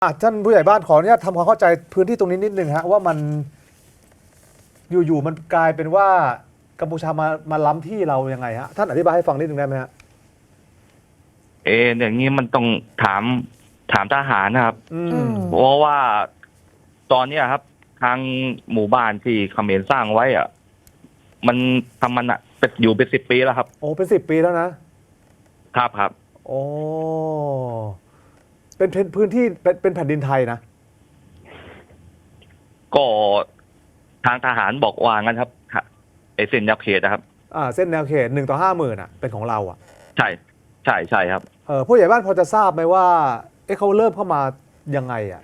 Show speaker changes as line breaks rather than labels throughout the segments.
ท่านผู้ใหญ่บ้านขออนุญาตทำความเข้าใจพื้นที่ตรงนี้นิดนึงฮะว่ามันอยู่ๆมันกลายเป็นว่ากัมพูชามาล้ำที่เรายังไงฮะท่านอธิบายให้ฟังนิดนึงได้ไหมฮะ
อย่างนี้มันต้องถามทหารนะครับ
อืม
เพราะว่าตอนเนี้ยครับ ทางหมู่บ้านที่เขมรสร้างไว้อ่ะ มันทำมันอ่ะอยู่เป็น10 ปีแล้วครับ
โอ้เป็น10 ปีแล้วนะครับ โอ้เป็นพื้นที่เป็นแผ่นดินไทยนะ
ก็ทางทหารบอกว่างั้นครับเส้นแนวเขตนะครับ
เส้นแนวเขต1 ต่อ 50,000อ่ะเป็นของเราอ่ะ
ใช่ครับ
ผู้ใหญ่บ้านพอจะทราบไหมว่าเขาเริ่มเข้ามายังไงอ่ะ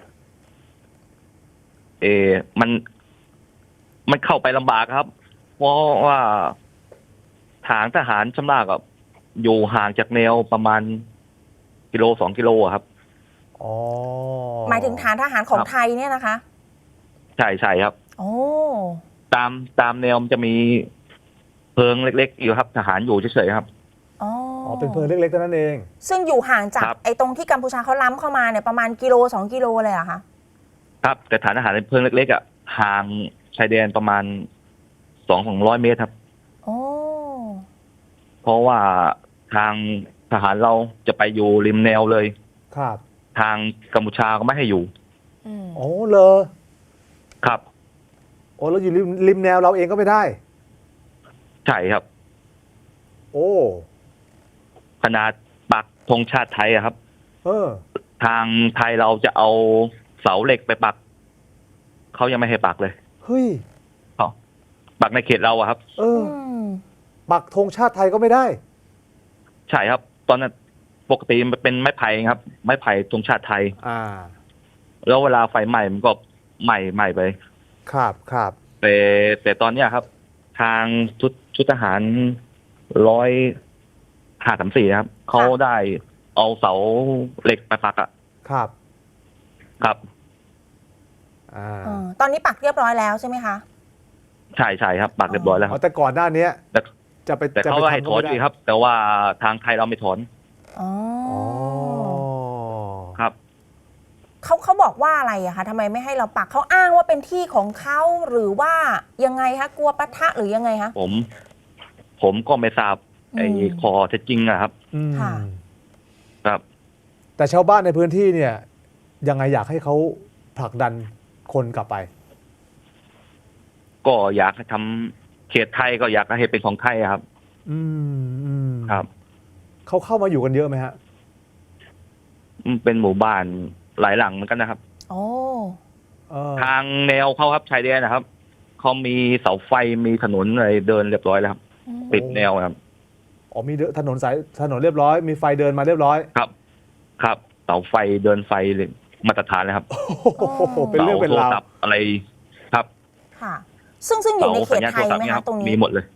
มันเข้าไปลำบากครับ เพราะว่าทางทหารชำนาญกับอยู่ห่างจากแนวประมาณ1-2 กิโลครับ
อ๋อ
หมายถึงฐานทหารของไทยเนี่ยนะคะ
ใช่ครับ
โอ้
ตามแนวมันจะมีเพิงเล็กๆอยู่ครับทหารอยู่เฉยๆครับ
อ๋อ
เป็นเพิงเล็กๆเท่านั้นเอง
ซึ่งอยู่ห่างจากไอ้ตรงที่กัมพูชาเขาล้ำเข้ามาเนี่ยประมาณ1-2 กิโลเลยเหรอคะ
ครับแต่ฐานทหารในเพิงเล็กๆอ่ะห่างชายแดนประมาณ200 เมตรครับ
โอ้
เพราะว่าทางทหารเราจะไปอยู่ริมแนวเลย
ครับ
ทางกัมพูชาก็ไม่ให้อยู่
โอ้เลย
ครับ
โอ้แล้วอยู่ริมแนวเราเองก็ไม่ได้
ใช่ครับ
โอ้
ขนาดปักธงชาติไทยอะครับทางไทยเราจะเอาเสาเหล็กไปปักเขายังไม่ให้ปักเลย
เฮ้ย
ปักในเขตเราอะครับ
ปักธงชาติไทยก็ไม่ได้
ใช่ครับตอนนั้นปกติมันเป็นไม้ไผ่ครับไม้ไผ่ธงชาติไทยแล้วเวลาไฟไหม้มันก็ไหม้ไป
ครับ
แต่ตอนเนี้ยครับทางชุดทหาร105-34ครับเขาได้เอาเสาเหล็กไปปักอะครับ
ตอนนี้ปักเรียบร้อยแล้วใช่ไหมคะ
ใช่ครับปักเรียบร้อยแล้ว
แต่ก่อนหน้านี้
แต่เขาให้ถอนอยู่ครับแต่ว่าทางไทยเราไม่ถอนครับ
เขาบอกว่าอะไรอะคะทำไมไม่ให้เราปักเขาอ้างว่าเป็นที่ของเขาหรือว่ายังไงคะกลัวปะทะหรือยังไงคะ
ผมก็ไม่ทราบคอเท็จจริงนะครับครับ
แต่ชาวบ้านในพื้นที่เนี่ยยังไงอยากให้เขาผลักดันคนกลับไป
ก็อยากให้ทำเขตไทยก็อยากให้เป็นของไทยครับครับ
เขาเข้ามาอยู่กันเยอะไหมฮะ
เป็นหมู่บ้านหลายหลังเหมือนกันนะครับทางแนวเขาครับชายแดนนะครับเขามีเสาไฟมีถนนอะไรเดินเรียบร้อยแล้วครับปิดแนวครับ
มีถนนเรียบร้อยมีไฟเดินมาเรียบร้อย
ครับเสาไฟเดินไฟเลยมาตรฐานเลยครับ
เป็นเรื่องเป็นราว
อะไรครับ
ค่ะซึ่งอยู่ในเขตไทยไหมคะตรงนี้
มีหมดเลย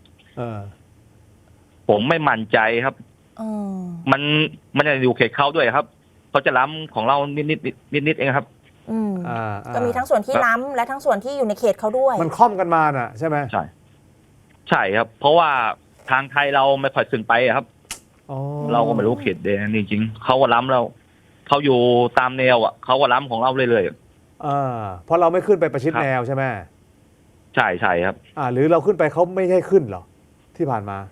ผมไม่มั่นใจครับมันจะอยู่เขตเขาด้วยครับเขาจะล้ำของเรานิดเองครับ
ก็มีทั้งส่วนที่ล้ำและทั้งส่วนที่อยู่ในเขตเขาด้วย
มันค่อมกันมาน่ะใช่ไหม
ใช่ครับเพราะว่าทางไทยเราไม่ค่อยขึ้นไปครับเราก็ไม่รู้เขตแดนจริงๆเขาก็ล้ำเราเขาอยู่ตามแนวอ่ะเขาก็ล้ำของเราเรื่อย
เพราะเราไม่ขึ้นไปประชิดแนวใช่ไหม
ใช่ครับ
หรือเราขึ้นไปเขาไม่ให้ขึ้นหรอที่ผ่านมา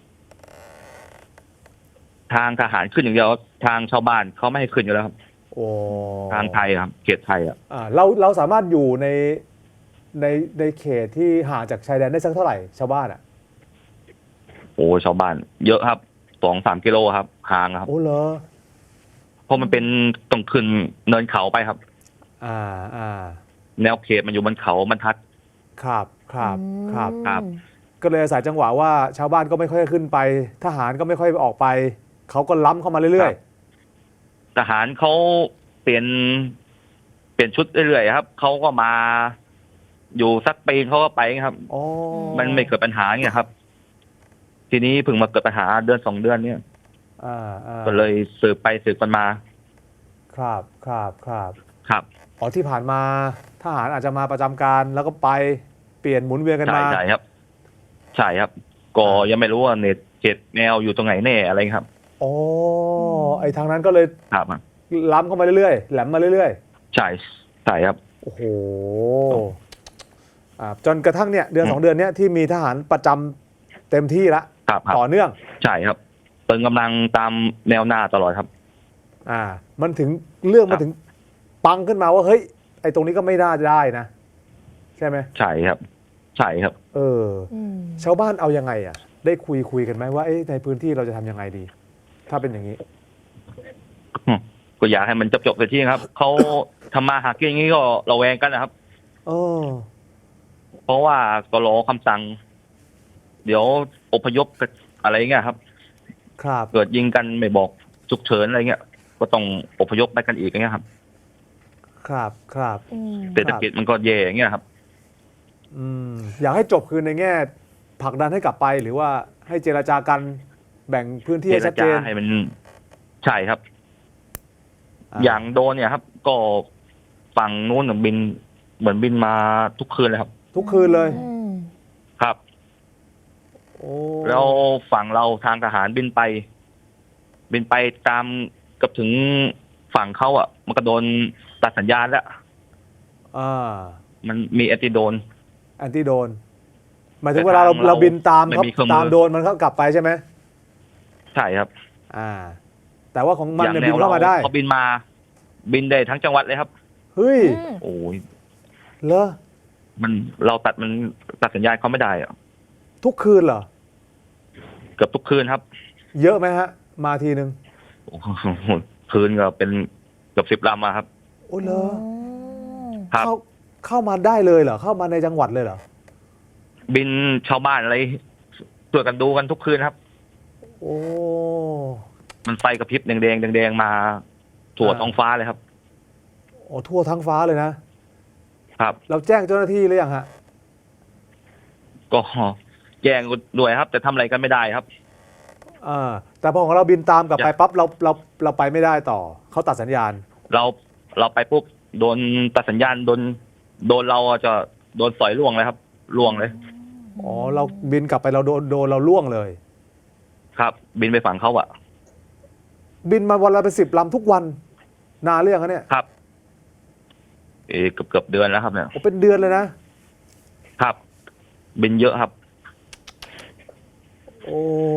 ทางทหารขึ้นอย่างเดียวทางชาวบ้านเขาไม่ให้ขึ้นอยู่แล้วครับทางไทยครับเขตไทย
เราสามารถอยู่ในเขตที่ห่างจากชายแดนได้สักเท่าไหร่ชาวบ้าน
ชาวบ้านเยอะครับ2-3 กิโลครับห่างครับ
เหรอ
เพราะมันเป็นต้องขึ้นเนินเขาไปครับแนวเขตมันอยู่บนเขาบรรทัด
ครับก็เลยอาศัยจังหวะว่าชาวบ้านก็ไม่ค่อยขึ้นไปทหารก็ไม่ค่อยออกไปเขาก็ล้ำเข้ามาเรื่อย
ๆทหารเขาเปลี่ยนชุดเรื่อยๆครับเขาก็มาอยู่สักปีเขาก็ไปครับมันไม่เกิดปัญหาเงี้ยครับทีนี้เพิ่งมาเกิดปัญหาเดือน2 เดือนเนี่ยก็เลยสืบไปสืบกันมา
ครับที่ผ่านมาทหารอาจจะมาประจำการแล้วก็ไปเปลี่ยนหมุนเวียนกันมา
ใช่ครับก็ยังไม่รู้ว่าเน็ตเขตแนวอยู่ตรงไหนแน่อะไรครับ
ไอ้ทางนั้นก็เลยล้ำเข้ามาเรื่อยๆแหลมมาเรื่อย
ๆใช่ใช่ครับ
โอ้โหจนกระทั่งเนี่ยเดือน 2 เดือนเนี้ยที่มีทหารประจำเต็มที่ละ
ครับครับ
ต่อเนื่อง
ใช่ครับเติมกำลังตามแนวหน้าตลอดครับ
มันถึงเรื่อง
ครั
มัน
บ
ถึงปังขึ้นมาว่าเฮ้ยไอ้ตรงนี้ก็ไม่น่าจะได้นะ ใช่ไหม
ใช่ครับ ใช่ครับ
ชาวบ้านเอายังไงอ่ะ ได้คุยกันไหมว่าในพื้นที่เราจะทำยังไงดี ถ้าเป็นอย่างนี้
ก็อยากให้มันจบๆไปที่ครับ เขาทำมาหากินอย่างนี้ก็ระแวงกันนะครับ
เออ
เพราะว่าก็รอคำสั่ง เดี๋ยวอพยพอะไรเงี้ยครับ
ครับ
เกิดยิงกันไม่บอกฉุกเฉินอะไรเงี้ย ก็ต้องอพยพไปกันอีกอย่างเงี้ยครับ
ครับ
เศรษฐกิจมันก็แย่อย่างเงี้ยครับ
อยากให้จบคือในแง่ผลักดันให้กลับไปหรือว่าให้เจรจากันแบ่งพื้นที่
เจ
ให้
ร
ชัดเจ
จาน ให้มันใช่ครับ อย่างโดนเนี่ยครับ ก็ฝั่งนู้นบินเหมือนบินมาทุกคืนเลยครับ
ทุกคืนเลย
ครับ
โอ้
แล้วฝั่งเราทางทหารบินไปตามกับถึงฝั่งเขาอ่ะ มันก็โดนตัดสัญญาณแล้ว มันมีแอนติโดน
แอนตี้โดนหมายถึงเวลาเราบินตาม
ไม่
เขา
มีเครื่องมือ
ตามโดนมันก็กลับไปใช่ไหม
ใช่ครับ
แต่ว่าของมัน
อย่าง
เนี่ย
แน
บิน
ว
เข้ามาได้
เขาบินมา บินได้ทั้งจังหวัดเลยครับ
เฮ้ย
โอ้ย
เหรอ
เราตัดสัญญาณเขาไม่ได้อะ
ทุกคืนเหรอ
เกือบทุกคืนครับ
เยอะไหมฮะ มาทีนึง
โอ้โหคืนก็เป็นเกือบ10 ลำอะครับ
โอ้เหรอ
ครับ
เข้ามาได้เลยเหรอเข้ามาในจังหวัดเลยเหรอ
บินชาวบ้านอะไรช่วยกันดูกันทุกคืนครับ
โอ้
มันไฟกระพริบแดงมาทั่วท้องฟ้าเลยครับ
โอ้ทั่วทั้งฟ้าเลยนะครับ เราแจ้งเจ้าหน้าที่หรือยังฮะ
ก็แจ้งด้วยครับ แต่ทำอะไรกันไม่ได้ครับ
แต่พอของเราบินตามกลับไป
อยาก
ปั๊บเราไปไม่ได้ต่อเขาตัดสัญญาณ
เราไปปุ๊บโดนตัดสัญญาณโดนเราจะโดนสอยล่วงเลยครับล่วงเลย
อ๋อเราบินกลับไปเราโดนเราล่วงเลย
ครับ บินไปฝั่งเขาอะ
บินมาวันละเป็น10 ลำทุกวันนานเรื่องเนี่ย
ครับเกือบเดือนแล้วครับเนี่ย
โอ้เป็นเดือนเลยนะ
ครับ บินเยอะครับ
โอ้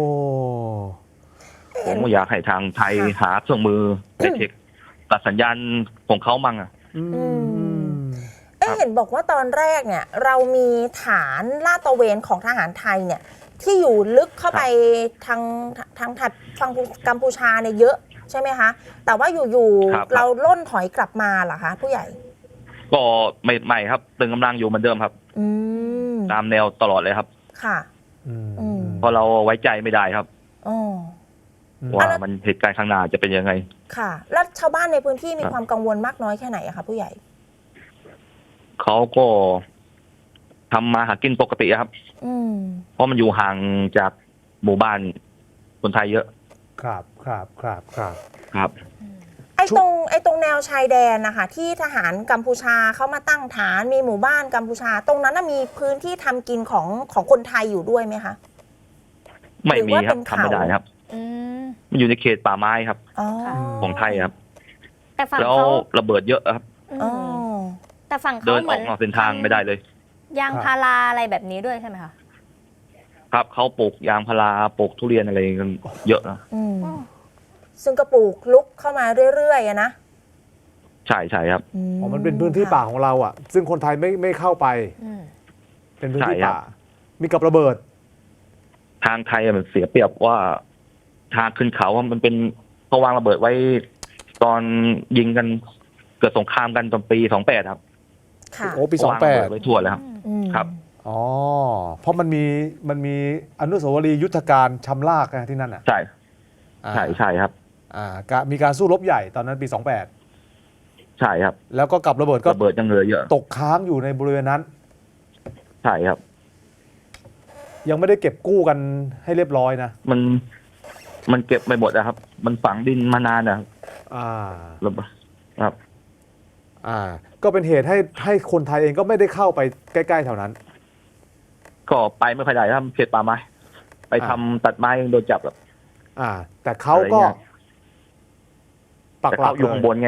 ผมก็อยากให้ทางไทยหาเครื่องมือเทคตัดสัญญาณของเขามั่งอะ
เห็นบอกว่าตอนแรกเนี่ยเรามีฐานลาดตระเวนของทหารไทยเนี่ยที่อยู่ลึกเข้าไปทางถัดฝั่งกัมพูชาเนี่ยเยอะใช่ไหมคะแต่ว่าอยู่ๆเราล่นถอยกลับมาเหรอคะผู้ใหญ่
ก็ไม่ครับตึงกำลังอยู่เหมือนเดิมครับตามแนวตลอดเลยครับ
ค่ะ
เพราะเราไว้ใจไม่ได้ครับ ว่า
แล้ว
มันเหตุการณ์ข้างหน้าจะเป็นยังไง
ค่ะแล้วชาวบ้านในพื้นที่มีความกังวลมากน้อยแค่ไหนอะคะผู้ใหญ่
เขาก็ทำมาหากินปกติครับเพราะมันอยู่ห่างจากหมู่บ้านคนไทยเยอะ
ครับ
ครับ
ไอ้ตรงแนวชายแดนนะคะที่ทหารกัมพูชาเขามาตั้งฐานมีหมู่บ้านกัมพูชา ตรงนั้นมีพื้นที่ทำกินของคนไทยอยู่ด้วยไหมคะ
ไม่มีครับทำไม่ได้ครับมันอยู่ในเขตป่าไม้ครับของไทยครับ
แต่ฝั่ง
แล้ว
เขา
ระเบิดเยอะครับ
แต่ฝั่ง
เดิ
เขา
น
เห
อ
มื
อน กนอกเส้นทางไม่ได้เลย
ยางพาราอะไรแบบนี้ด้วยใช่ไหมคะ
ครับเขาปลูกยางพาราปลูกทุเรียนอะไรกันเยอะนะ
ซึ่งก็ปลูกลุกเข้ามาเรื่อยๆนะ
ใช่ครับ
อ๋อมันเป็นพื้นที่ป่าของเราอ่ะ ซึ่งคนไทยไม่เข้าไป เป็นพื้นที่
ใช่ครับ
ป่า มีกับระเบิด
ทางไทยมันเสียเปรียบว่าทางขึ้นเขามันเป็นเขาวางระเบิดไว้ตอนยิงกันเกิดสงครามกันตอนปี28ครับ
ค่ะ
โอ้ปี
วางระเบิดไว้ทั่วเลยครับ ครับ
อ๋อ เพราะมันมีอนุสาวรีย์ยุทธการชำลากนะที่นั่นอ่ะ
ใช่ครับ
มีการสู้รบใหญ่ตอนนั้นปี
ใช่ครับ
28 แล้วก็กับระเบิดก็
ระเบิดยังเหลือเยอะ
ตกค้างอยู่ในบริเวณนั้น
ใช่ครับ
ยังไม่ได้เก็บกู้กันให้เรียบร้อยนะ
มันเก็บไม่หมดนะครับ มันฝังดินมานานนะครับ ระเบิดครับ
ก็เป็นเหตุให้คนไทยเองก็ไม่ได้เข้าไปใกล้ๆแถวนั้น
ก็ไปไม่ค่อยได้ครับเขตป่าไม้ไปทำตัดไม้ยังโดนจับแบบ
แต่เขาก็
อะไรเงี้ย
ปัก
แต่
หลั
เขา
ก
อยู่
เล
ข้างบ
ย
นไงครับ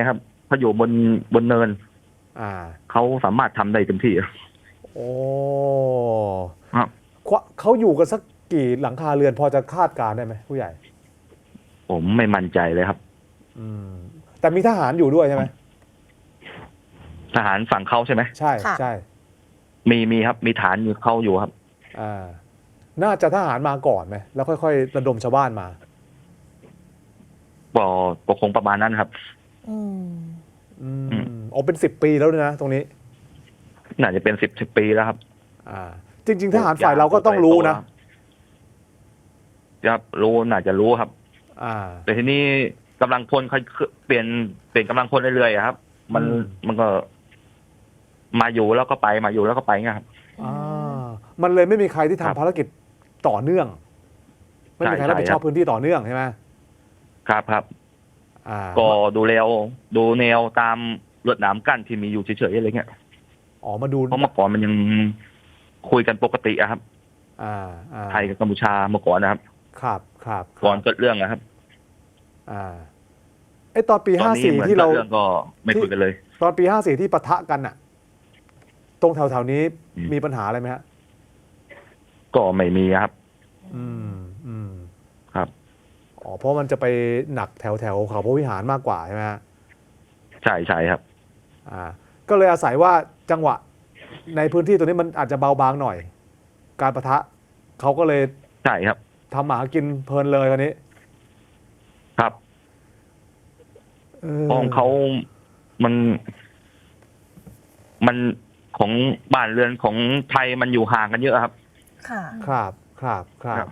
เขาอยู่บนเนิน
อ่า
เขาสามารถทำได้เต็มที่
โอ้
ครับ
เขาอยู่กันสักกี่หลังคาเรือนพอจะคาดการณ์ได้ไหมผู้ใหญ่
ผมไม่มั่นใจเลยครับ
อืมแต่มีทหารอยู่ด้วยใช่ไหม
ทหารฝั่งเขาใช่ไหม
ใช่
ค่ะ
ใช่
มีครับ มีฐานอยู่เขาอยู่ครับ
อ่าน่าจะทหารมาก่อนไหมแล้วค่อยๆระดมชาวบ้านมา
ก็คงประมาณนั้นครับ
อืม
อืมอ๋อเป็น10 ปีแล้วด้วยนะตรงนี้
น่าจะเป็น10 ปีแล้วครับ
อ่า จริง ๆ ทหารฝ่ายเราก็ต้องรู้นะครับ
รู้น่าจะรู้ครับ
อ่า
แต่ทีนี้กำลังพลเขาเปลี่ยนกำลังพลเรื่อยๆอะครับ มันก็มาอยู่แล้วก็ไปมาอยู่แล้วก็ไปเงี้ยครับ
อ่ามันเลยไม่มีใครที่
ครับ
ทำภารกิจต่อเนื่อง ไม่มีใคร
ใช่
รับผิดชอบ
ครับ
พื้นที่ต่อเนื่องใช่ไหม
ครับ
อ่า
ก็ดูแนวตามลวดหนามกั้นที่มีอยู่เฉยๆอะไรเงี้ย
อ๋อมาดู
เพราะเมื่อก่อนมันยังคุยกันปกติอะครับ
อ่า
ไทยกับกัมพูชาเมื่อก่อนนะครับ
ครับ
ก่อนเกิดเรื่องนะครับ
อ่าไอตอนปี
ตอนนี้เหมือน
54ที่
เกิ
เรา
ดเรื่องก็ไม่คุยกันเลย
ตอนปี54ที่ปะทะกันอะตรงแถวๆนี้
อืม
มีปัญหาอะไรไหมฮะ
ก็ไม่มีครับ
อืม
ครับ
อ๋อเพราะมันจะไปหนักแถวเขาพระวิหารมากกว่าใช่ไหมฮะ
ใช่ครับ
ก็เลยอาศัยว่าจังหวะในพื้นที่ตัวนี้มันอาจจะเบาบางหน่อย การปะทะเขาก็เลย
ใช่ครับ
ทำหมากินเพลินเลยคนนี้
ครับ ของเขามันของบ้านเรือนของไทยมันอยู่ห่างกันเยอะครับ
ค่ะ
ครับ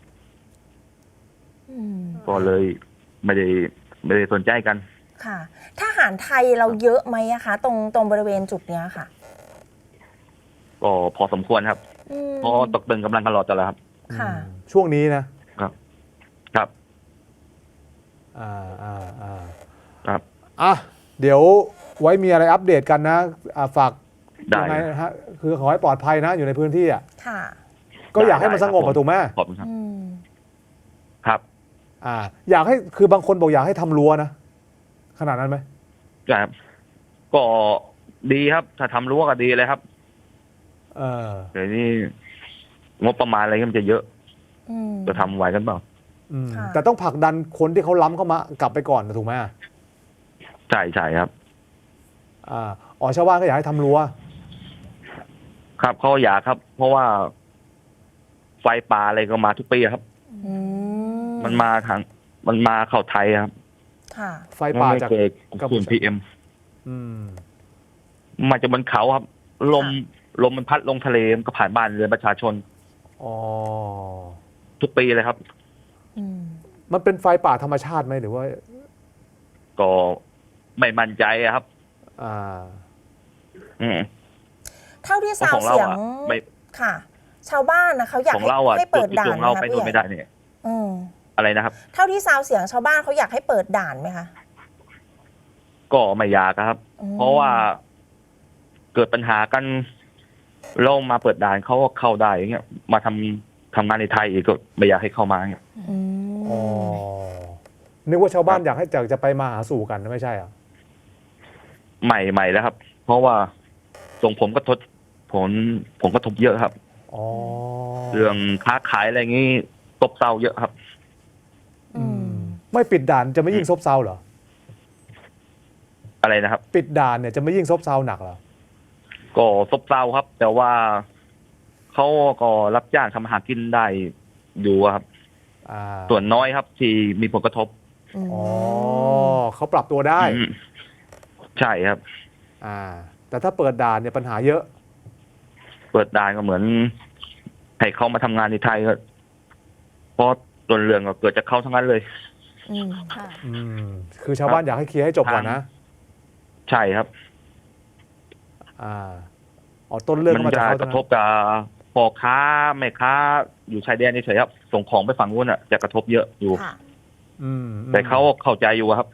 อืม
ก็เลยไม่ได้สนใจกัน
ค่ะ ทหารไทยเราเยอะไหมอะคะ ตรงบริเวณจุดเนี้ยค่ะ
ก็พอสมควรครับ
อืม
เพราะตกตึงกำลังกันหลอดตลอดครับ
ค่ะ
ช่วงนี้นะครับ
ครับ
อ่า
ครับ
อ่ะเดี๋ยวไว้มีอะไรอัปเดตกันนะฝาก
ได้
ยังไงนะฮะคือขอให้ปลอดภัยนะอยู่ในพื้นที่อ่ะ
ค่ะ
ก็อยากให้มันสงบอะถูกไหม
ขอบคุณครับ
อืม
ครับ
อยากให้คือบางคนบอกอยากให้ทำรั้วนะขนาดนั้นไหม
ครับก็ดีครับ ถ้าทำรั้วก็ดีเลยครับ
เออ
เดี๋ยวนี้งบประมาณอะไรก็มันจะเยอะ
อืม
จะทำไหวกันเปล่า
ค่ะ
แต่ต้องผลักดันคนที่เขาล้ำเข้ามากลับไปก่อนนะถูกไหม
ใช่ครับ
อ๋อชาวบ้านก็อยากให้ทำรั้ว
ครับเขาอยากครับ เพราะว่าไฟป่าอะไรก็มาทุกปีครับ
อืม
มันมาเข้าไทยครับ
ค่ะ
ไฟป่า
ไม่
จาก
เคย
กัมพู
ฝุ่น
ชา
PM
อืม
มาจากบนเขาครับ ลมมันพัดลงทะเลมันก็ผ่านบ้านเรือนประชาชน
อ๋อ
ทุกปีเลยครับ
อืม
มันเป็นไฟป่าธรรมชาติไหมหรือว่า
ก็ไม่มั่นใจอะครับ
อ่า
อืม
เท่าที่
เพราะ
ซาว
ของเรา
เสียง
อะไม่
ค่ะ ชาวบ้านนะเขาอยาก
ของเราอะ
ให้เปิด
จุด
ด่า
ข
น
อง
ไหม
เรา
คะ
ไป
ผู้
นู่น
ใหญ่
ไม่ได้เนี่ย
อืม
อะไรนะครับ
เท่าที่ซาวเสียงชาวบ้านเขาอยากให้เปิดด่านไหมคะ
ก็ไม่อยากอะครับ
อืม
เพราะว่าเกิดปัญหากันเรามาเปิดด่านเขาก็เข้าได้อย่างเงี้ยมาทำงานในไทยอีกก็ไม่อยากให้เข้ามาอย่างเงี้ย
อื
อ๋อ
ม
นึกว่าชาวบ้าน
ครับ
อยากให้จะไปมาหาสู่กันไม่ใช่เหรอ
ใหม่แล้วครับ เพราะว่าส่งผมก็ผมก็ทบเยอะครับ
อ๋อ
เรื่องค้าขายอะไรอย่างงี้ตบเซาเยอะครับ
อืม
ไม่ปิดด่านจะไม่ยิ่งซบเซาเหรอ
อะไรนะครับ
ปิดด่านเนี่ยจะไม่ยิ่งซบเซาหนักเหรอ
ก็ซบเซาครับ แต่ว่าเขาก็รับจ้างทำอาหารกินได้อยู่ครับ ส่วนน้อยครับ ที่มีผลกระทบ
อ๋อเขาปรับตัวได้
อืมใช่ครับ
แต่ถ้าเปิดด่านเนี่ยปัญหาเยอะ
เปิดด่านก็เหมือนให้เขามาทำงานในไทยก็เพราะต้นเรื่องก็เกิดจากเขาทั้งนั้นเลย
อืม
ค่ะ
คือชาวบ้านอยากให้เคลียร์ให้จบก่อนนะ
ใช่ครับ
อ๋อต้นเรื่อง
มัน
ก็มาจาก
จะ
เขา
กระทบกับพ่อค้าแม่ค้าอยู่ชายแดนเฉยๆครับ ส่งของไปฝั่งนู้นอ่ะจะกระทบเยอะอยู่
ค่ะ
แต่เขาเข้าใจอยู่ครับ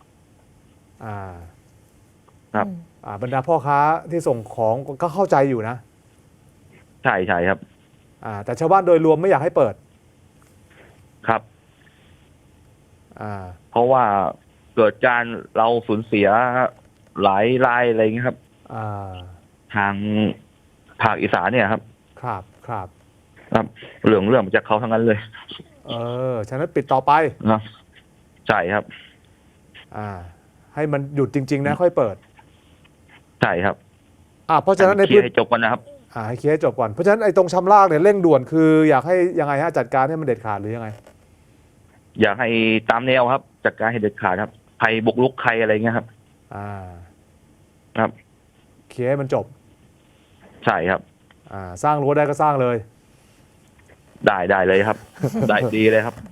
ครับ
บรรดาพ่อค้าที่ส่งของก็เข้าใจอยู่นะ
ใช่ครับ
แต่ชาวบ้านโดยรวมไม่อยากให้เปิด
ครับ
อ่า
เพราะว่าเกิดการเราสูญเสียหลายรายอะไรอย่างเงี้ยครับ
อ่า
ทางภาคอีสานเนี่ยครับ
ครับครับ
ครับเรื่องมาจากเขาทั้งนั้นเลย
ฉะนั้นปิดต่อไป
นะใช่ครับ
ให้มันหยุดจริง ๆ นะค่อยเปิด
ใช่ครับ
เพราะฉะนั้นใน
เคลี
พื้
ย
น
ร์ให้จบกันนะครับ
ให้เคลียร์ให้จบก่อนเพราะฉะนั้นไอ้ตรงชำรากเนี่ยเร่งด่วนคืออยากให้ยังไงฮะจัดการให้มันเด็ดขาดหรือยังไง
อยากให้ตามแนวครับจัดการให้เด็ดขาดครับใครบุกรุกใครอะไรเงี้ยครับ ครับ
เคลียร์ให้มันจบ
ใช่ครับ
สร้างรั้วได้ก็สร้างเลย
ได้เลยครับ ได้ดีเลยครับ